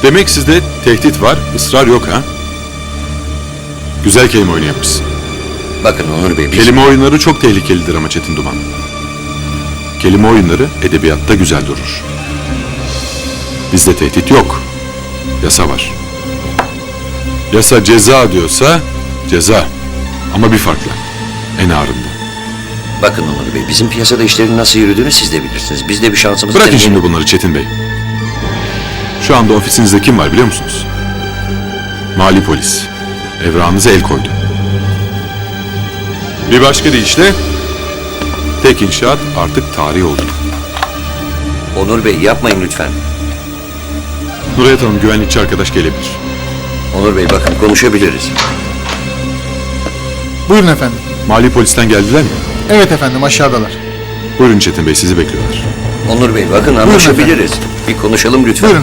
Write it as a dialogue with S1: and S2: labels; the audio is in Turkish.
S1: Demek sizde tehdit var, ısrar yok ha? Güzel kelime oyunu yapmışsın.
S2: Bakın Onur Bey, biz...
S1: Kelime oyunları çok tehlikelidir ama Çetin Duman. Kelime oyunları edebiyatta güzel durur. Bizde tehdit yok. Yasa var. Yasa ceza diyorsa ceza. Ama bir farkla. En ağırında.
S2: Bakın Onur Bey, bizim piyasada işlerin nasıl yürüdüğünü siz de bilirsiniz. Biz de bir şansımızı
S1: Bırakın
S2: deneyelim.
S1: şimdi bunları Çetin Bey. Şu anda ofisinizde kim var biliyor musunuz? Mali polis. Evrağınıza el koydu. Bir başka deyişle tek inşaat artık tarih oldu.
S2: Onur Bey, yapmayın lütfen.
S1: Nurayet Hanım, güvenlikçi arkadaş gelebilir.
S2: Onur Bey, bakın konuşabiliriz.
S3: Buyurun efendim.
S1: Mali polisten geldiler mi?
S3: Evet efendim, aşağıdalar.
S1: Buyurun Çetin Bey, sizi bekliyorlar.
S2: Onur Bey, bakın anlaşabiliriz. Bir konuşalım lütfen.
S3: Buyurun